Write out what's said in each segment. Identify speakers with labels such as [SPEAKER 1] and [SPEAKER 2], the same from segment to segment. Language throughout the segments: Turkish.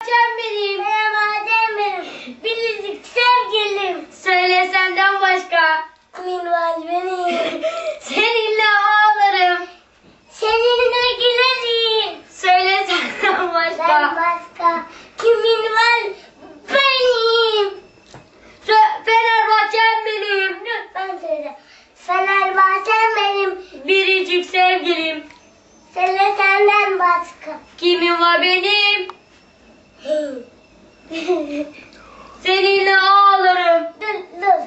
[SPEAKER 1] Can benim.
[SPEAKER 2] Merhaba Can benim. Biricik sevgilim.
[SPEAKER 1] Söyle senden başka.
[SPEAKER 2] Kimin var benim?
[SPEAKER 1] Seninle ağlarım.
[SPEAKER 2] Seninle gülerim.
[SPEAKER 1] Söyle senden başka.
[SPEAKER 2] Ben başka. Kimin var benim?
[SPEAKER 1] Fenerbahçem benim.
[SPEAKER 2] Lütfen söyle. Fenerbahçem benim.
[SPEAKER 1] Biricik sevgilim.
[SPEAKER 2] Söyle senden başka.
[SPEAKER 1] Kimin var benim? Seninle ağlarım.
[SPEAKER 2] Dur.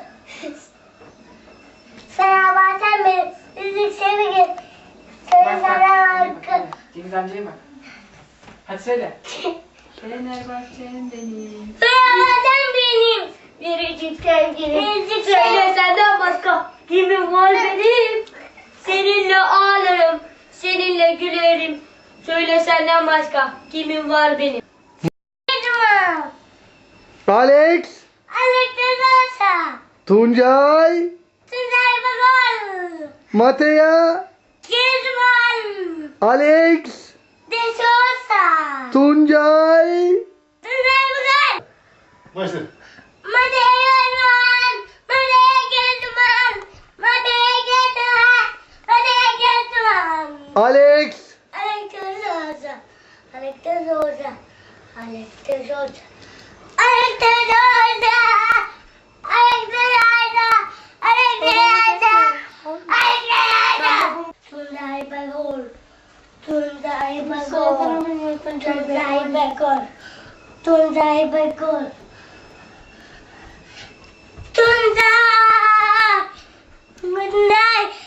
[SPEAKER 2] Fenerbahçem benim. Biricik sevgilim. Söyle senden başka.
[SPEAKER 3] Cengiz amcaya bak. Hadi söyle. Fenerbahçem benim.
[SPEAKER 2] Fenerbahçem benim.
[SPEAKER 1] Biricik sevgilim.
[SPEAKER 2] Biricik
[SPEAKER 1] Söyle
[SPEAKER 2] sevgilim.
[SPEAKER 1] senden başka. Kimin var benim? Seninle ağlarım. Seninle gülerim. Söyle senden başka. Kimin var benim?
[SPEAKER 2] Kezban.
[SPEAKER 4] Alex,
[SPEAKER 2] Alex Dezasa.
[SPEAKER 4] Tuncay,
[SPEAKER 2] Tuzay Bakar.
[SPEAKER 4] Matea,
[SPEAKER 2] Kezban.
[SPEAKER 4] Alex,
[SPEAKER 2] Desosa.
[SPEAKER 4] Tuncay.
[SPEAKER 2] Tuzay Bakar.
[SPEAKER 5] Başla.
[SPEAKER 2] Madeye Kezban. Madeye Kezban. Madeye Kezban. Madeye Kezban.
[SPEAKER 4] Alex,
[SPEAKER 2] Alex Dezasa. Alex Dezasa. Alex Dezasa. Alex Dezasa. Alex Dezasa. Alex Dezasa. Alex Dezasa. Tunday Bagol. Tunday Bagol. Tunday Bagol. Tunday Bagol. Tunday. Tunday.